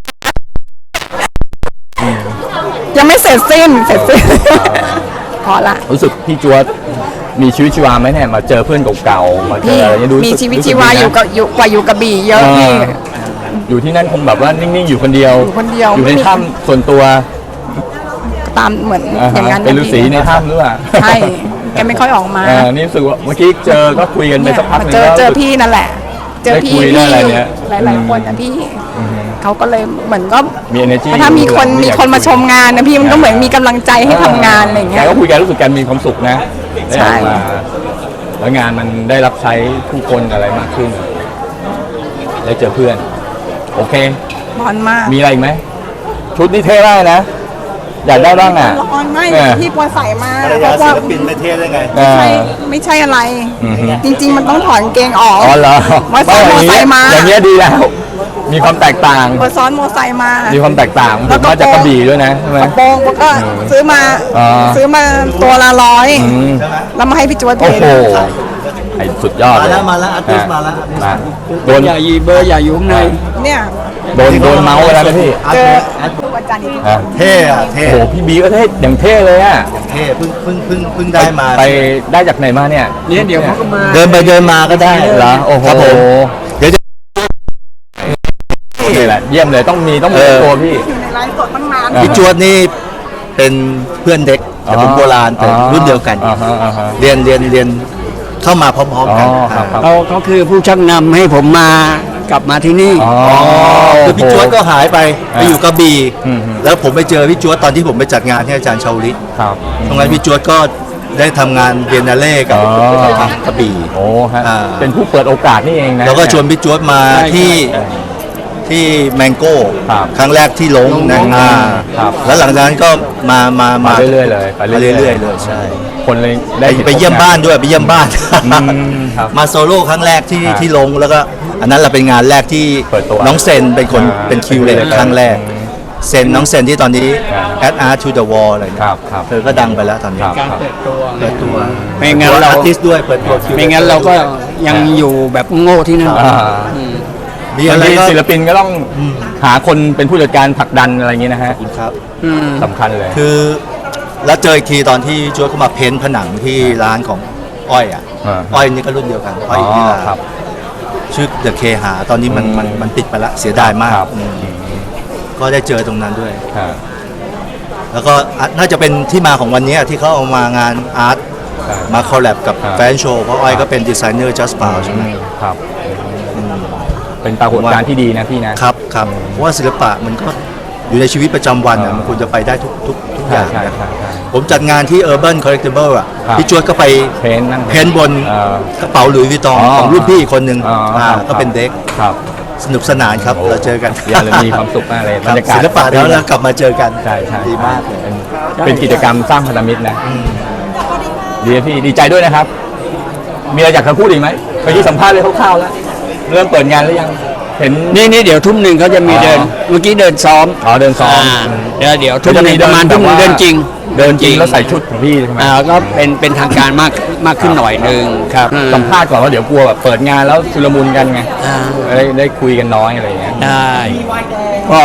[SPEAKER 6] ยังไม่เสร็จสิ้นเสร็จสิ้นพอละ
[SPEAKER 1] รู้สึกพี่จวดมีชีวิตชีวาไหมเนี่ยมาเจอเพื่อนเก่าๆมาเจอ
[SPEAKER 6] พี่
[SPEAKER 1] อะไรเนี่ยดู
[SPEAKER 6] มี
[SPEAKER 1] รู้สึก
[SPEAKER 6] ชีวิต
[SPEAKER 1] รู้สึ
[SPEAKER 6] ชี
[SPEAKER 1] ก
[SPEAKER 6] วา
[SPEAKER 1] ดีนะ
[SPEAKER 6] อยู่กับอยู่กว่าอยู่กระบี่เยอะพี่
[SPEAKER 1] อ่าอยู่ที่นั่นคงแบบว่านิ่งๆอยู่คนเดียว
[SPEAKER 6] อยู่คนเดียว
[SPEAKER 1] อยู่ใน
[SPEAKER 6] ไม่มี
[SPEAKER 1] ถ้ำส่วนตัว
[SPEAKER 6] ตามเหมือน
[SPEAKER 1] อ่า
[SPEAKER 6] อย่าง
[SPEAKER 1] ฮะ
[SPEAKER 6] นั้น
[SPEAKER 1] เป็นฤาษี
[SPEAKER 6] พี่
[SPEAKER 1] ในถ้ำหรือเปล่า
[SPEAKER 6] ใช่แกไม่ค่อยออกมา
[SPEAKER 1] อ่านี่รู้สึกว่าเมื่อกี้เจอก็คุยกันไป
[SPEAKER 6] เนี่ย
[SPEAKER 1] สักพักหนึง
[SPEAKER 6] เจอ
[SPEAKER 1] แล้ว
[SPEAKER 6] เจอ
[SPEAKER 1] รู้สึก
[SPEAKER 6] พี่นั่นแหละ เจอพี่
[SPEAKER 1] ได้คุยได้
[SPEAKER 6] พี่
[SPEAKER 1] อะไรเนี่ย
[SPEAKER 6] หลายๆคนนะพี่เขาก็เลยเหมือนก็
[SPEAKER 1] มี energy
[SPEAKER 6] ถ้ามีคน
[SPEAKER 1] อยู่
[SPEAKER 6] มีคนมาชมงานนะพี่มันก็เหมือนมีกำลังใจให้ทำงานอะไรอย่างเงี้
[SPEAKER 1] แก
[SPEAKER 6] ย
[SPEAKER 1] ก็คุยแกรู้สึกแกมีความสุขนะได้
[SPEAKER 6] ใช่
[SPEAKER 1] ออกมาแล้วงานมันได้รับใช้ผู้คนอะไรมากขึ้นได้เจอเพื่อน โอเค
[SPEAKER 6] บอลมาก
[SPEAKER 1] มีอะไรอีกไหมชุดนี่เท่มากนะ อยากได้บ้างอ่ะ
[SPEAKER 6] ละครไม่
[SPEAKER 1] เนี่ย
[SPEAKER 6] ที่ปอยใส่มา
[SPEAKER 5] ภรร
[SPEAKER 6] เพ
[SPEAKER 5] ยา
[SPEAKER 6] ราะ
[SPEAKER 5] ศิ
[SPEAKER 6] ว่า
[SPEAKER 5] ลปินไม่เท่ได้ไง
[SPEAKER 1] อ่า
[SPEAKER 6] ไม่ไม่ใช่อะไร
[SPEAKER 1] อือฮึ
[SPEAKER 6] จริง ๆ มันต้องถอนกางเกงออก
[SPEAKER 1] อ๋อเหรอ
[SPEAKER 6] มาซ้อนมอไซค์มา
[SPEAKER 1] อย่างเงี้ยดีแล้ว มีความแตกต่าง
[SPEAKER 6] มาซ้อนมอไซค์มา
[SPEAKER 1] มีความแตกต่างผ
[SPEAKER 6] แล้
[SPEAKER 1] ม
[SPEAKER 6] วก็
[SPEAKER 1] มาจากกระบี่ด้วยนะใช่ไหม
[SPEAKER 6] กระโปรงก็
[SPEAKER 1] อืม
[SPEAKER 6] ซื้อมา
[SPEAKER 1] อ่า
[SPEAKER 6] ซื้อมาตัวละร้อย
[SPEAKER 1] อืม
[SPEAKER 6] แล้วมาให้พี่จวดเท
[SPEAKER 1] โอ้โห
[SPEAKER 6] น
[SPEAKER 1] ไอ้สุดยอด
[SPEAKER 5] มา
[SPEAKER 1] เลย
[SPEAKER 5] แล้วมาแล้วอาร์ติสต์มาแล้ว
[SPEAKER 1] มาโดน
[SPEAKER 2] อย่ายีเบอร์อย่าอยู่ข้างใน
[SPEAKER 6] เนี่ย
[SPEAKER 1] โดนโดนเมาส์ไปแล้วนะพี่
[SPEAKER 6] เจออาจารย์อีกที
[SPEAKER 1] ฮะ
[SPEAKER 5] เท่อะเท่
[SPEAKER 1] โอ้โหพี่บีก็เท่อย่างเท่เลยอ่ะ
[SPEAKER 5] เท่เพิ่งเพิ่งเพิ่งเพิ่งได้มา
[SPEAKER 1] ไปได้จากไหนมาเนี่ย
[SPEAKER 2] เนี่ยเดี๋ยวเขาก็มา
[SPEAKER 5] เดินไปเดินมาก็ได้
[SPEAKER 1] เหรอโอ้โห
[SPEAKER 5] ครับผมเดี๋ยวจะ
[SPEAKER 1] นี่แหละเยี่ยมเลยต้องมีต้องมี
[SPEAKER 5] เออ
[SPEAKER 1] ตัวพี่
[SPEAKER 6] อยู่ในไลฟ์สดตั้งนาน
[SPEAKER 1] อ่า
[SPEAKER 5] พี่จวดนี่เป็นเพื่อนเด็กแต่ผมโบราณแต่รุ่นเดียวกัน
[SPEAKER 1] อ่าฮะอ่าฮะ
[SPEAKER 5] เรียนเรียนเรียนเข้ามาพร้อมๆกัน
[SPEAKER 1] อ๋อครับครับ
[SPEAKER 2] เขาเขาคือผู้ชักนำให้ผมมากลับมาที่นี่
[SPEAKER 1] อ๋อ
[SPEAKER 5] คือพี่จวดก็หายไปไปอยู่กระบี่
[SPEAKER 1] อืม
[SPEAKER 5] แล้วผมไปเจอพี่จวดตอนที่ผมไปจัดงานที่อาจารย์ชาวลิต
[SPEAKER 1] ครับ
[SPEAKER 5] ตรงนั้นพี่จวดก็ได้ทำงานเบียนนาเล่กับ
[SPEAKER 1] อ๋อ
[SPEAKER 5] ทางกระบี่
[SPEAKER 1] โอ้ฮะ
[SPEAKER 5] อ่า
[SPEAKER 1] เป็นผู้เปิดโอกาสนี่เองนะ
[SPEAKER 5] แล้วก็ชวนพี่จวดมา
[SPEAKER 2] ใช่
[SPEAKER 5] ที่
[SPEAKER 1] ใช่
[SPEAKER 5] ที่แมงโก้
[SPEAKER 1] ครับ
[SPEAKER 5] ครั้งแรกที่ลงนะ
[SPEAKER 2] ลง
[SPEAKER 5] อ่า
[SPEAKER 1] ครับ
[SPEAKER 5] แล้วหลังจากนั้นก็มามา
[SPEAKER 1] มา
[SPEAKER 5] มา
[SPEAKER 1] เรื่อยๆเลยไป
[SPEAKER 5] มา
[SPEAKER 1] เรื่
[SPEAKER 5] เรื่
[SPEAKER 1] อ
[SPEAKER 5] อย ย
[SPEAKER 1] ๆ
[SPEAKER 5] ๆเลยใช่
[SPEAKER 1] คนเลย
[SPEAKER 5] ไป
[SPEAKER 1] ได้ห็น
[SPEAKER 5] ไปเยี่ยมบ้านด้วยไปเยี่ยมบ้าน
[SPEAKER 1] อืมครับ
[SPEAKER 5] มาโซโล่ครั้งแรกที่
[SPEAKER 1] ครับ
[SPEAKER 5] ที่ลงแล้วก็อันนั้นเราเป็นงานแรกที่
[SPEAKER 1] เปิดตัว
[SPEAKER 5] น้องเซนเป็นคน
[SPEAKER 1] อ่า
[SPEAKER 5] เป็นคิวเลต
[SPEAKER 1] เป็น
[SPEAKER 5] ครั้งแรก
[SPEAKER 1] อืม
[SPEAKER 5] เซนน้องเซนที่ตอนนี้
[SPEAKER 1] ครับ
[SPEAKER 5] Add Art to the Wall อะไร
[SPEAKER 1] ค
[SPEAKER 5] เนี่ย
[SPEAKER 1] รับครับ
[SPEAKER 5] เธอก็ดังไปแล้วตอนนี้
[SPEAKER 1] ครับ
[SPEAKER 2] การเปิดตัว
[SPEAKER 5] เปิดตัว
[SPEAKER 2] ไม่งั้นเรา
[SPEAKER 5] อาร์ติสด้วยเปิดตัวคิว
[SPEAKER 2] ไม่งั้นเราก็ยังอยู่แบบโง่ที่นั่น
[SPEAKER 1] อ่า
[SPEAKER 2] อืม
[SPEAKER 5] มี
[SPEAKER 1] บา
[SPEAKER 5] อะ
[SPEAKER 1] ง
[SPEAKER 5] ไร
[SPEAKER 1] ที
[SPEAKER 5] ก็
[SPEAKER 1] ศิลปินก็ต้องหาคนเป็นผู้จัดการผลักดันอะไรอย่างนี้นะฮะ
[SPEAKER 5] ครับ
[SPEAKER 2] อืม
[SPEAKER 1] สำคัญเลย
[SPEAKER 5] คือแล้วเจออีกทีตอนที่จวดเข้ามาเพ้นท์ผนังที่ร้านของอ้อยอ่ะ
[SPEAKER 1] อ่า
[SPEAKER 5] อ้อยนี่ก็รุ่นเดียวกันอ้
[SPEAKER 1] อ๋
[SPEAKER 5] อย
[SPEAKER 1] อ
[SPEAKER 5] ที่ร้าน
[SPEAKER 1] ครับ
[SPEAKER 5] ชื่อเดอะเคหาตอนนี้มันมันมันปิดไปละเสียดายมาก
[SPEAKER 1] ครับ
[SPEAKER 5] อืมก็ได้เจอตรงนั้นด้วย
[SPEAKER 1] อ่า
[SPEAKER 5] แล้วก็อ่ะน่าจะเป็นที่มาของวันนี้ที่เขาเอามางานอาร์ต
[SPEAKER 1] ใช่
[SPEAKER 5] มาคอลแลบกับ
[SPEAKER 1] ครับ
[SPEAKER 5] แฟนโชว์เพราะอ้อยก็เป็นดีไซเนอร์ Just Bow ใช่ไหม
[SPEAKER 1] ครับ เป็นปรากฏการณ์ที่ดีนะพี่นะครับ
[SPEAKER 5] ครับเพราะว่าศิลปะมันก็อยู่ในชีวิตประจำวันอ่ะ
[SPEAKER 1] อ่ามั
[SPEAKER 5] มันควรจะไปได้ทุกทุกทุกอ
[SPEAKER 1] ใช่
[SPEAKER 5] ย่าง
[SPEAKER 1] ใช่
[SPEAKER 5] นะ
[SPEAKER 1] ใช่ใช่
[SPEAKER 5] ผมจัดงานที่ Urban Collectible อ่ะ
[SPEAKER 1] ครับ
[SPEAKER 5] พี่จวดก็ไป
[SPEAKER 1] เพ้นท์นั่ง
[SPEAKER 5] เพ้นท์บน
[SPEAKER 1] เอ่อก
[SPEAKER 5] ระเป๋าหลุยส์วิตตอง
[SPEAKER 1] อ๋อ
[SPEAKER 5] ของรุ่นพี่อีกคนหนึ่ง
[SPEAKER 1] อ๋ออ่
[SPEAKER 5] า
[SPEAKER 1] ครับ
[SPEAKER 5] ก็เป็นเด็ก
[SPEAKER 1] ครับ
[SPEAKER 5] สนุกสนานครับ
[SPEAKER 1] โอ้
[SPEAKER 5] เราเจอกัน
[SPEAKER 1] เยี่ยมเลยมีความสุขมากเลย
[SPEAKER 5] ครับ
[SPEAKER 1] บรรยากาศ
[SPEAKER 5] ศิลปะแล้วเรากลับมาเจอกัน
[SPEAKER 1] ใช่ใช่
[SPEAKER 5] ดีมากเลย
[SPEAKER 1] เป็นเป็นกิจกรรมสร้างพันธมิตรนะดีนะพี่ดีใจด้วยนะครับ มีอะไรอยากจะพูดอีกไหมเมื่อกี้สัมภาษณ์เลยคร่าวๆแล้วเริ่มเปิดงานหรือยังเห็น
[SPEAKER 2] นี่นี่เดี๋ยวทุ่มหนึ่งเขาจะมี
[SPEAKER 1] อ๋อ
[SPEAKER 2] เดิน เมื่อกี้เดินซ้อม
[SPEAKER 1] อ๋อเดินซ้อม
[SPEAKER 2] าเดี๋ยวเดี๋ยวทุ่มหนึ่งประมาณทุ่มหนึ่งเดินจริง
[SPEAKER 1] เดินจริงแล้วใส่ชุดของพี่ใช่ไหม
[SPEAKER 2] อ่าก็เป็นเป็นทางการมากมากขึ้นหน่อยหนึ่งครับ
[SPEAKER 1] สัมภาษณ์ก่อนว่าเดี๋ยวกลัวแบบเปิดงานแล้วชุลมุนกันไง
[SPEAKER 2] อ่า
[SPEAKER 1] ได้ได้คุยกันน้อยอะไรอย่างเงี้ย
[SPEAKER 2] ได้ก็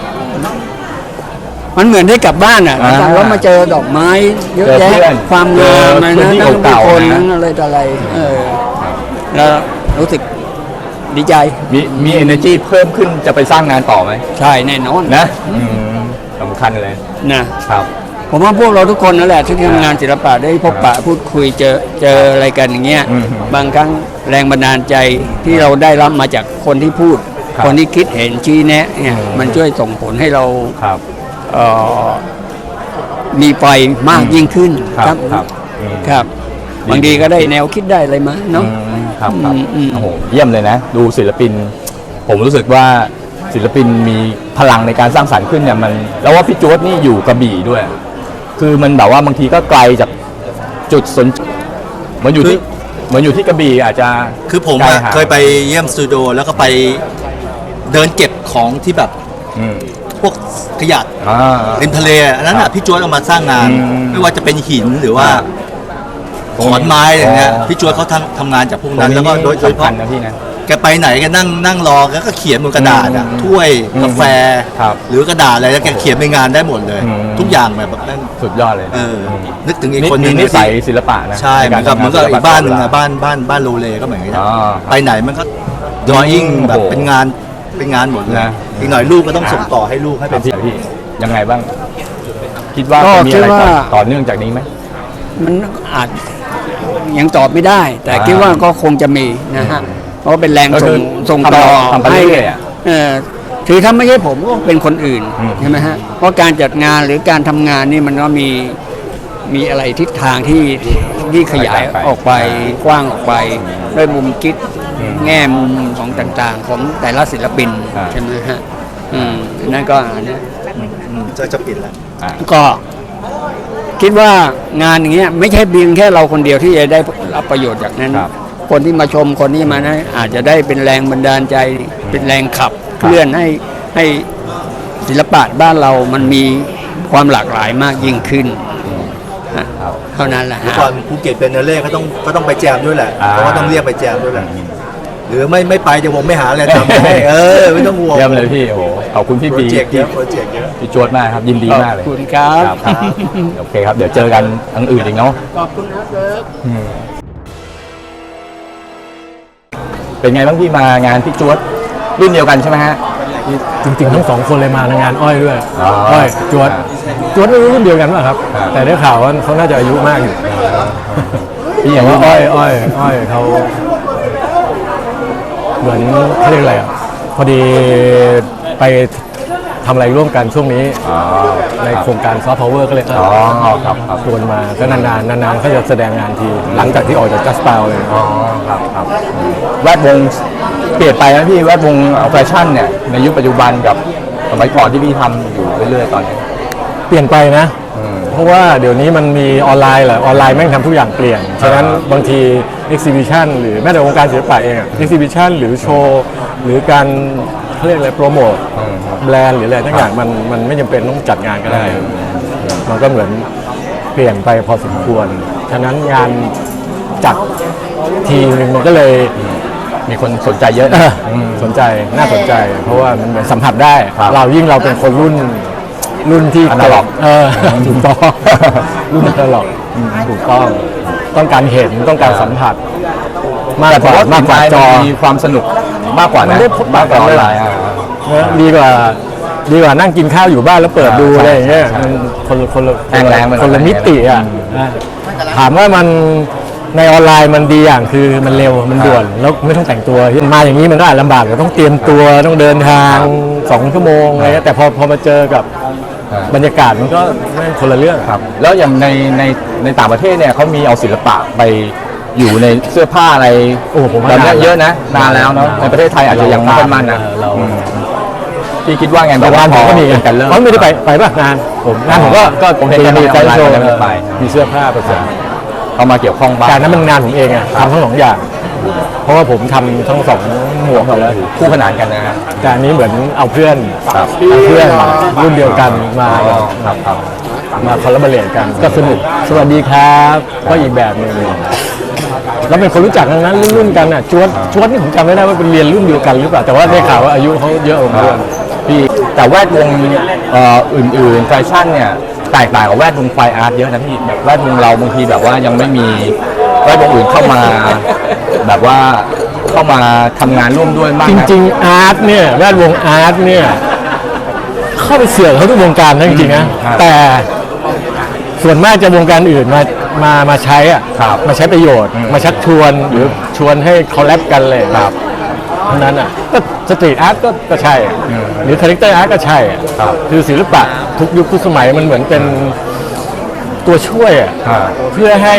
[SPEAKER 2] มันเหมือนได้กลับบ้านอ่ะ
[SPEAKER 1] อ่า
[SPEAKER 2] แล้วมาเจอดอกไม้เยอะ
[SPEAKER 1] เจอ
[SPEAKER 2] แยะ
[SPEAKER 1] เพื่อน
[SPEAKER 2] ความงาม
[SPEAKER 1] เจอ
[SPEAKER 2] นะ
[SPEAKER 1] พื้นที่
[SPEAKER 2] ทั้ง
[SPEAKER 1] เก่าๆ
[SPEAKER 2] คน
[SPEAKER 1] นะ
[SPEAKER 2] ทั้งอะไรต่ออะไรเออแล้วรู้สึกดีใจ
[SPEAKER 1] มีมี energy เพิ่มขึ้นจะไปสร้างงานต่อไหม
[SPEAKER 2] ใช่แน่นอน
[SPEAKER 1] นะอืมสำคัญเลย
[SPEAKER 2] นะครับ ผมว่าพวกเราทุกคนนั่นแหละที่ทำงานศิลปะได้พบปะพูดคุยเจอเจออะไรกันอย่างเงี้ย
[SPEAKER 1] อืม
[SPEAKER 2] บางครั้งแรงบันดาลใจที่เราได้รับมาจากคนที่พูด
[SPEAKER 1] ครับ
[SPEAKER 2] คนที่คิดเห็นชี้แนะเนี่ย
[SPEAKER 1] อืม
[SPEAKER 2] มันช่วยส่งผลให้เรา
[SPEAKER 1] ครับ
[SPEAKER 2] เอ่อมีไฟมากยิ่งขึ้น
[SPEAKER 1] ครับครับอืม
[SPEAKER 2] ครับ บางทีก็ได้แนวคิดได้อะไรมาเนาะ
[SPEAKER 1] อืมครับครับ
[SPEAKER 2] อืมอืม
[SPEAKER 1] โอ้โหเยี่ยมเลยนะ ดูศิลปิน ผมรู้สึกว่าศิลปินมีพลังในการสร้างสรรค์ขึ้นเนี่ยมันแล้วว่าพี่โจ๊ดนี่อยู่กระบี่ด้วย คือมันแบบว่าบางทีก็ไกลจากจุดสนเหมือนอยู่ที่เหมือนอยู่ที่กระบี่อาจจะ
[SPEAKER 5] คือผม
[SPEAKER 1] ไกล
[SPEAKER 5] อะ
[SPEAKER 1] ห่าง
[SPEAKER 5] เคยไปเยี่ยมสตูดิโอแล้วก็ไปเดินเก็บของที่แบบ
[SPEAKER 1] อืม
[SPEAKER 5] พวกขยะ
[SPEAKER 1] อ่า
[SPEAKER 5] ริมทะเลอันนั้น
[SPEAKER 1] ครั
[SPEAKER 5] อ่ะ
[SPEAKER 1] บ
[SPEAKER 5] พี่จวดเอามาสร้างงาน
[SPEAKER 1] อืม
[SPEAKER 5] ไม่ว่าจะเป็นหินหรือว่า
[SPEAKER 1] อ่า
[SPEAKER 5] ขอนไม้อะไรเงี้ย
[SPEAKER 1] อ๋อ
[SPEAKER 5] พี่จวดเขาทำทำงานจากพวก
[SPEAKER 1] ตร
[SPEAKER 5] นั้
[SPEAKER 1] ง
[SPEAKER 5] น
[SPEAKER 1] นี้
[SPEAKER 5] แล้วก็โดยโดยเฉ
[SPEAKER 1] สำคั
[SPEAKER 5] พาะ
[SPEAKER 1] ญนะพี่นะ
[SPEAKER 5] แกไปไหนแกนั่งนั่งรอแล้วก็เขียนบนกระดาษอ่ะ
[SPEAKER 1] อืม
[SPEAKER 5] ถ้วย
[SPEAKER 1] อืม
[SPEAKER 5] กาแฟ
[SPEAKER 1] ครับ
[SPEAKER 5] หรือกระดาษอะไรแล้วแกเขียนในงานได้หมดเลย
[SPEAKER 1] อืม
[SPEAKER 5] ทุกอย่างแบบแบบนั้น
[SPEAKER 1] สุดยอดเลยนะ
[SPEAKER 5] เออ
[SPEAKER 1] ม
[SPEAKER 5] นึกถึงอีก
[SPEAKER 1] นี่
[SPEAKER 5] คนหนึ
[SPEAKER 1] มี
[SPEAKER 5] ง
[SPEAKER 1] นิสัย
[SPEAKER 5] ที่
[SPEAKER 1] ศิลปะนะ
[SPEAKER 5] ใช่เหมือนกับเหมือนกับอีกบ้านหนึงอะ
[SPEAKER 1] บ้าน
[SPEAKER 5] บ้านบ้านบ้านโรเลก็เหมือนกันนะ
[SPEAKER 1] อ๋อ
[SPEAKER 5] ไปไหนมันก็ดรอยิ่ง
[SPEAKER 1] โอ้โห
[SPEAKER 5] แบบเป็นงานเป็นงานหมดเลย
[SPEAKER 1] นะ
[SPEAKER 5] อีกหน่อยลูกก็ต้องส่งต่อให้ลูกให้
[SPEAKER 1] ค
[SPEAKER 5] เป็
[SPEAKER 1] รับ
[SPEAKER 5] น
[SPEAKER 1] พี่พี่ยังไงบ้าง คิดว่า
[SPEAKER 2] ก็
[SPEAKER 1] จะมีอะไร
[SPEAKER 2] คิด
[SPEAKER 1] ต่อ
[SPEAKER 2] ว่า
[SPEAKER 1] ต่อเนื่องจากนี้ไหม
[SPEAKER 2] มันอาจยังตอบไม่ได้ แต่
[SPEAKER 1] อ่า
[SPEAKER 2] คิดว่าก็คงจะมีนะฮะเพราะว่าเป็นแรง
[SPEAKER 1] ก็คื
[SPEAKER 2] ส่
[SPEAKER 1] อง
[SPEAKER 2] ส่ง
[SPEAKER 1] ทำ
[SPEAKER 2] ต่อ
[SPEAKER 1] ทำไป
[SPEAKER 2] ให้
[SPEAKER 1] เรื่อยๆอะ
[SPEAKER 2] เออถือถ้าไม่ใช่ผมก็เป็นคนอื่น
[SPEAKER 1] อืม
[SPEAKER 2] ใช่ไหมฮะเพราะการจัดงานหรือการทำงานนี่มันก็มีมีอะไรทิศทางที่ที่ขยายออกไปกว้างออกไปด้วยมุมคิดแง่มุมของต่างๆ ของแต่ละศิลปิน
[SPEAKER 1] อ่า
[SPEAKER 2] ใช่ไหมฮะอืมนั่นก็อันเนี้ย
[SPEAKER 5] อืมจะจะปิดแล้ว
[SPEAKER 2] ก็คิดว่างานอย่างเงี้ยไม่ใช่เพียงแค่เราคนเดียวที่จะได้รับประโยชน์จากนั้น
[SPEAKER 1] ครับ
[SPEAKER 2] คนที่มาชมคนที่มานะอาจจะได้เป็นแรงบันดาลใจเป็นแรงขับเคลื่อนให้ให้ศิลปะบ้านเรามันมีความหลากหลายมากยิ่งขึ้นฮะเท่านั้นแหละ
[SPEAKER 5] เมื่อ
[SPEAKER 2] ฮะ
[SPEAKER 5] ก่อนภูเก็ตเป็นเนเล่ก็ต้องก็ต้องไปแจมด้วยแหละ
[SPEAKER 1] อ่า
[SPEAKER 5] เพราะว่าต้องเรียกไปแจมด้วยแหละหรือไม่ไม่ไปเดี๋ยวผมไม่หาอะไรทำให้เออไม่ต้องห่วง
[SPEAKER 1] เยี่ยมเลยพี่ โอ้โหขอบคุณพี่
[SPEAKER 5] โปร
[SPEAKER 1] บี
[SPEAKER 5] เจกต์เยอะโปรเจกต์เยอะ
[SPEAKER 1] พี่จวดมากครับ ยินดีมากเลย
[SPEAKER 2] ขอบคุณครับ
[SPEAKER 1] ครับ โอเคครับ เดี๋ยวเจอกันอันอื่นอีกเนาะ
[SPEAKER 2] ขอบคุณครับเลิฟ
[SPEAKER 1] เป็นไงบ้างพี่มางานพี่จวดรุ่นเดียวกันใช่ไหมฮะ
[SPEAKER 3] จริงๆทั้งสองคนเลยมาในงานอ้อยด้วย
[SPEAKER 1] อ๋อ
[SPEAKER 3] อ้อยจวดจวดไม่รู้รุ่นเดียวกันป่ะครับ
[SPEAKER 1] ครับ
[SPEAKER 3] แต่ได้ข่าวว่าเขาน่าจะอายุมากอยู่
[SPEAKER 1] พี่อ
[SPEAKER 3] แต่
[SPEAKER 1] ย่าง
[SPEAKER 3] ว่า
[SPEAKER 1] ว่า
[SPEAKER 3] อ้
[SPEAKER 1] อ้
[SPEAKER 3] อ
[SPEAKER 1] อย ย
[SPEAKER 3] อ้อยอ้อยเขาเหมือนเขาเรียกอะไรอ่ะพอดีไปทำอะไรร่วมกันช่วงนี้
[SPEAKER 1] อ๋อ
[SPEAKER 3] ในโครงการซอฟต์พาวเวอร์ก็เลย
[SPEAKER 1] อ๋อครับครับ
[SPEAKER 3] ชวนมาก็นานๆนานๆเขาจะแสดงงานที หลังจากที่ออกจากจัสเปาเลย
[SPEAKER 1] อ๋อครับครับแวดวงเปลี่ยนไปนะพี่แวดวงแฟชั่นเนี่ยในยุคปัจจุบันกับสมัยก่อนที่พี่ทำอยู่เรื่อยๆตอนนี้
[SPEAKER 3] เปลี่ยนไปนะ
[SPEAKER 1] อืม
[SPEAKER 3] เพราะว่าเดี๋ยวนี้มันมีออนไลน์แหละออนไลน์แม่งทำทุกอย่างเปลี่ยน ฉะนั้นบางที exhibition หรือแม้แต่วงการศิลปะเองอะ exhibition หรือโชว์หรือการเขาเรียกอะไรโปรโมทแบรนด์หรืออะไรทั้งอย่างมันมันไม่จำเป็นต้องจัดงานก็ได้ มันก็เหมือนเปลี่ยนไปพอสมควร ฉะนั้นงานจัดทีนึงมันก็เลย
[SPEAKER 1] มีคนสนใจเยอะ
[SPEAKER 3] เอ
[SPEAKER 1] นะ
[SPEAKER 3] อสนใจน่าสนใจ เพราะว่ามันเหมือนสัมผัสได้
[SPEAKER 1] ครับ
[SPEAKER 3] เรายิ่งเราเป็นคนรุ่นรุ่นที่
[SPEAKER 1] อนาล็อก
[SPEAKER 3] เออถูกต้อง รุ่นอนาล็อกถูกต้องต้องการเห็นต้องการสัมผัส มาก
[SPEAKER 1] แต่
[SPEAKER 3] ก
[SPEAKER 1] ผม
[SPEAKER 3] ว่า
[SPEAKER 1] ว่าม
[SPEAKER 3] ากกว่าจอ
[SPEAKER 1] มีความสนุกมากกว่า
[SPEAKER 3] มั
[SPEAKER 1] นะ
[SPEAKER 3] นได้พบปะ
[SPEAKER 1] มากกว่าออนไลน์
[SPEAKER 3] กัน
[SPEAKER 1] อ่ะ
[SPEAKER 3] นะดีกว่าดีกว่านั่งกินข้าวอยู่บ้านแล้วเปิดดู
[SPEAKER 1] ใช่
[SPEAKER 3] อะไรอย่างเงี้ย
[SPEAKER 1] ใช่
[SPEAKER 3] มันคนละคนละ
[SPEAKER 1] แรงแรงมัน
[SPEAKER 3] คนละมิติอ่ะนะถามว่ามันในออนไลน์มันดีอย่างคือมันเร็วมันด่วนแล้วไม่ต้องแต่งตัวมาอย่างนี้มันก็อาจลำบากต้องเตรียมตัวต้องเดินทางสองชั่วโมงอะไรเงี้ยแต่พอพอมาเจอกับบรรยากาศมันก็แม่งคนละเรื่อง
[SPEAKER 1] ครับแล้วอย่างในในในต่างประเทศเนี่ยเขามีเอาศิลปะไปอยู่ในเสื้อผ้าอะไร
[SPEAKER 3] โอ้ผมว่า
[SPEAKER 1] แบบเนี้ย
[SPEAKER 3] นาน
[SPEAKER 1] เยอะนะนานแล้วเนาะในประเทศไทยอาจจะยังไม่ค่อยมั่นนะ
[SPEAKER 3] เรา
[SPEAKER 1] อืมพี่คิดว่าไง
[SPEAKER 3] แต่
[SPEAKER 1] แบบ
[SPEAKER 3] งานผมก็มี
[SPEAKER 1] เป็นกันเริ่ม
[SPEAKER 3] เพราะไม่ได้ไปไปป่ะงานผมงานผมก็ก็
[SPEAKER 1] ผมเห็น
[SPEAKER 3] มี
[SPEAKER 1] ใน
[SPEAKER 3] แฟ
[SPEAKER 1] ออนไลน์
[SPEAKER 3] ชั่นโชว์
[SPEAKER 1] แต่ไม่ไป
[SPEAKER 3] มีเสื้อผ้าผสม
[SPEAKER 1] เข้ามาเกี่ยวข้องบ้าง
[SPEAKER 3] การนั้นมันงานผมเองอะทำทั้งสองอย่าง เพราะว่าผมทำทั้งสองหมวกอยู่แล้ว
[SPEAKER 1] คู่ขนานกันนะฮะ
[SPEAKER 3] แต่อันนี้เหมือนเอาเพื่อน
[SPEAKER 1] ครับ
[SPEAKER 3] เอาเพื่อนรุ่นเดียวกันมา
[SPEAKER 1] อ๋อครับครับ
[SPEAKER 3] มาคอลลาบอเรทกันก็สนุกสวัสดีครับก็อีกแบบหนึงแล้วเป็นคนรู้จักทั้งนั้นรุ่นๆกันอ่ะจวดจวดนี่ผมจำไม่ได้ว่าเป็นเรียนรุ่นเดียวกันหรือเปล่าแต่ว่าได้ข่าวว่าอายุเขาเยอะกว่าผมด้วย
[SPEAKER 1] พี่แต่แวดวงเอ่ออื่นๆแฟชั่นเนี่ยแตกต่างกับแวดวงไฟอาร์ตเยอะนะพี่แบบแวดวงเราบางทีแบบว่ายังไม่มีแวดวงอื่นเข้ามา แบบว่าเข้ามาทำงานร่วมด้วยมาก
[SPEAKER 3] จ
[SPEAKER 1] นะ
[SPEAKER 3] ริงๆอาร์ตเนี่ยแวดวงอาร์ตเนี่ยเข้าไปเสือกเขาทุกวงการนะจริงๆนะครับ แต่ส่วนมากจะวงการอื่นมามามาใช้อ่ะ
[SPEAKER 1] ครับ
[SPEAKER 3] มาใช้ประโยชน์
[SPEAKER 1] อืม
[SPEAKER 3] มาชักชวนหรือชวนให้คอลแลบกันเลย
[SPEAKER 1] ครับ
[SPEAKER 3] เท่านั้นอ่ะก็สตรีทอาร์ตก็ก็ใช่อะ
[SPEAKER 1] อืม
[SPEAKER 3] หรือคาแรคเตอร์อาร์ตก็ใช่อะ
[SPEAKER 1] ครับ
[SPEAKER 3] คือศิลปะทุกยุคทุกสมัยมันเหมือนเป็นตัวช่วยอ่ะ
[SPEAKER 1] อ่า
[SPEAKER 3] เพื่อให้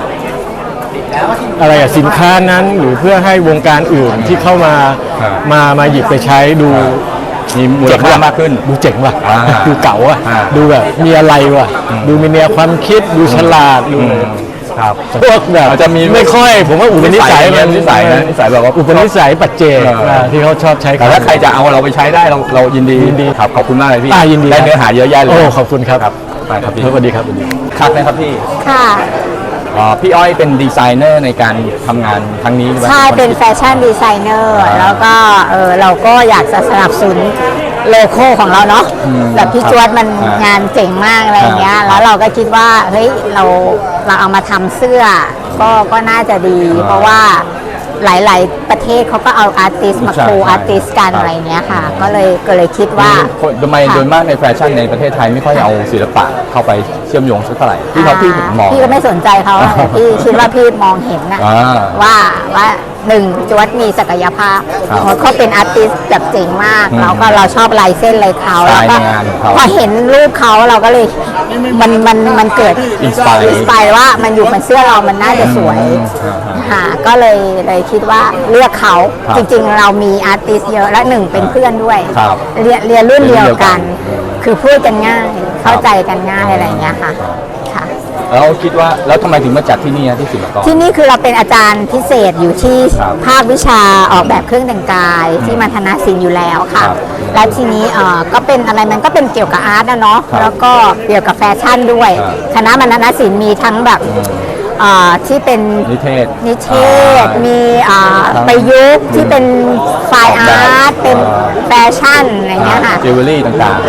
[SPEAKER 3] อะไรอะสินค้านั้นหรือเพื่อให้วงการอื่นที่เข้ามา
[SPEAKER 1] อ่า
[SPEAKER 3] มามาหยิบไปใช้ดู
[SPEAKER 1] มีมูลค่ามากขึ้น
[SPEAKER 3] ดูเจ๋งว่ะ
[SPEAKER 1] อ่า
[SPEAKER 3] ดูเก๋าว่ะ
[SPEAKER 1] อ่า
[SPEAKER 3] ดูแบบมีอะไรว่ะ ดูมีแนวความคิดดูฉลาดดู
[SPEAKER 1] อืมครับ
[SPEAKER 3] พวกแบบ
[SPEAKER 1] อาจจะมี
[SPEAKER 3] ไม่ค่อย ผมว่าอุปนิสัยมัน
[SPEAKER 1] นิสัยนะนิสัยแบบว่า
[SPEAKER 3] อุปนิสัยปัจเจก
[SPEAKER 1] เอออ่
[SPEAKER 3] าที่เขาชอบใช้
[SPEAKER 1] แต่ถ้าใครจะเอาเราไปใช้ได้เราเรายินดี
[SPEAKER 3] ยินดี
[SPEAKER 1] ครับขอบคุณมากเลยพี่
[SPEAKER 3] อ่ายินดี
[SPEAKER 1] ได้เนื้อหาเยอะแยะเลย
[SPEAKER 3] โอ้ขอบคุณครับ
[SPEAKER 1] ครับไปครับพี่
[SPEAKER 3] สวัสดีครับสวัสดี
[SPEAKER 1] ครับนะครับพี่
[SPEAKER 7] ค่ะ
[SPEAKER 1] อ๋อพี่อ้อยเป็นดีไซเนอร์ในการทำงานครั้งนี้ไหม
[SPEAKER 7] ใช่เป็นแฟชั่นดีไซเนอร์
[SPEAKER 1] อ่า
[SPEAKER 7] แล้วก็เออเราก็อยากจะสนับสนุนโลโก้ของเราเนาะ
[SPEAKER 1] อืม
[SPEAKER 7] แบบพี่จวดมัน
[SPEAKER 1] อ่าง
[SPEAKER 7] งานเจ๋งมากอะไรอย่างเงี้ย
[SPEAKER 1] อ่า
[SPEAKER 7] แล้วเราก็คิดว่าเฮ้ยเราเราเอามาทำเสื้อ ก็ก็น่าจะดี
[SPEAKER 1] อ่า
[SPEAKER 7] เพราะว่าหลาย ๆ ประเทศเขาก็เอาอาร์ติสมา
[SPEAKER 1] ใช่
[SPEAKER 7] โค
[SPEAKER 1] ใช่
[SPEAKER 7] อาร์ติสกัน
[SPEAKER 1] ครับ
[SPEAKER 7] อะไรเงี้ยค่ะ ก็เลยก็เลยคิดว่า
[SPEAKER 1] คนทำไมโดยมากในแฟชั่นในประเทศไทยไม่ค่อยเอาศิลปะเข้าไปเชื่อมโยงสักเท่าไหร่ที่เขาพี่มอง
[SPEAKER 7] พี่ก็ไม่สนใจเขาอะแต่พี่คิดว่าพี่มองเห็นนะ
[SPEAKER 1] อ่า
[SPEAKER 7] ว่าว่าหนึ่งจวดมีศักยภาพ
[SPEAKER 1] ครับ
[SPEAKER 7] เขาเป็นอาร์ติสต์แบบเจ๋งมาก
[SPEAKER 1] อืม
[SPEAKER 7] แล้วก็เราชอบลายเส้นลายเขา
[SPEAKER 1] สไต
[SPEAKER 7] แล้ว
[SPEAKER 1] ล์
[SPEAKER 7] ก็
[SPEAKER 1] ในงานของเขา
[SPEAKER 7] พอเห็นรูปเขาเราก็เลยมันมันมันเกิด
[SPEAKER 1] Inspire
[SPEAKER 7] อินสปายว่ามันอยู่บนเสื้อเรามันน่าจะสวย
[SPEAKER 1] อืมอ่า
[SPEAKER 7] ค่ะก็เลยเลยคิดว่าเลือกเขา
[SPEAKER 1] ครับ
[SPEAKER 7] จริงๆ เรามีอาร์ติสต์เยอะและหนึ่งเป็นเพื่อนด้วย
[SPEAKER 1] ครับ
[SPEAKER 7] เรียนเรียนรุ่นเดียวกัน
[SPEAKER 1] อืม
[SPEAKER 7] คือพูดกันง่ายเข้าใจกันง่ายอะไรอย่างเงี้ยค่ะค่ะ
[SPEAKER 1] แล้วคิดว่าแล้วทำไมถึงมาจัดที่นี่อะที่ศิลปากร
[SPEAKER 7] ที่นี่คือเราเป็นอาจารย์พิเศษอยู่ที่
[SPEAKER 1] ครับ
[SPEAKER 7] ภาควิชาออกแบบเครื่องแต่งกายที่มัธนศิลป์อยู่แล้วค่ะ
[SPEAKER 1] ครับ
[SPEAKER 7] และทีนี้เอ่อก็เป็นอะไรมันก็เป็นเกี่ยวกับอาร์ตนะเนาะ
[SPEAKER 1] ครับ
[SPEAKER 7] แล้วก็เกี่ยวกับแฟชั่นด้วย
[SPEAKER 1] ครับ
[SPEAKER 7] คณะมัธนศิลป์มีทั้งแบบเอ่อที่เป็น
[SPEAKER 1] นิเทศ
[SPEAKER 7] นิเทศ
[SPEAKER 1] อ่ามี
[SPEAKER 7] มีอ่าประยุกต์ที่เป็นไฟล์อาร์ตเป็นแฟชั่นอะไรเงี้ยค่ะ
[SPEAKER 1] จิวเวลรี่ต่างๆ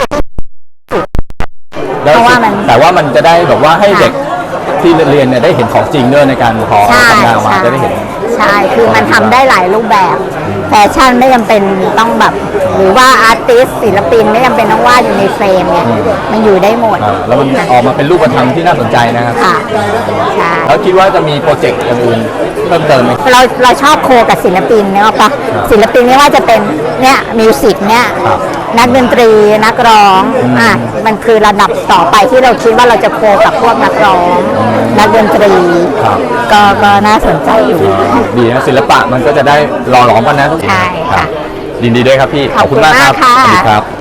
[SPEAKER 7] เพราะว่ามัน
[SPEAKER 1] แต่ว่ามันจะได้แบบว่าให้
[SPEAKER 7] ค่ะ
[SPEAKER 1] เด็กที่เรียนเนี่ยได้เห็นของจริงด้วยในการพอ
[SPEAKER 7] ใช่
[SPEAKER 1] ทำงานออกมา
[SPEAKER 7] ใช่
[SPEAKER 1] จะได้เห็น
[SPEAKER 7] ใช่ คือมันทำได้หลายรูปแบบ แฟชั่นไม่จำเป็นต้องแบบ หรือว่าอาร์ติสศิลปินไม่จำเป็นต้องวาดอยู่ในเฟรมเนี่ยมันอยู่ได้หมด
[SPEAKER 1] อ่าแล้วมันออกมาเป็นรูปธรรมที่น่าสนใจนะครับ
[SPEAKER 7] ค่ะ ใช่
[SPEAKER 1] แล้วคิดว่าจะมีโปรเจกต์อื่นๆเพิ่มเติมไหม
[SPEAKER 7] เราเราชอบโคกับศิลปินเนี่ยปะศิลปินไม่ว่าจะเป็นเนี่ยมิวสิกเนี่ย
[SPEAKER 1] ครับ
[SPEAKER 7] นักดนตรีนักร้องอ่ะมันคือระดับต่อไปที่เราคิดว่าเราจะโคกับพวกนักร้องนักดนตรี
[SPEAKER 1] ครับ
[SPEAKER 7] ก็ก็น่าสนใจอยู่
[SPEAKER 1] ดีนะศิลปะมันก็จะได้หล่อหลอมกันนะทุก
[SPEAKER 7] ใช่ค่ะ
[SPEAKER 1] รับยินดีด้วยครับพี่
[SPEAKER 7] ขอบคุณมาก
[SPEAKER 1] รั
[SPEAKER 7] ค่ะ
[SPEAKER 1] สวัสดีครับ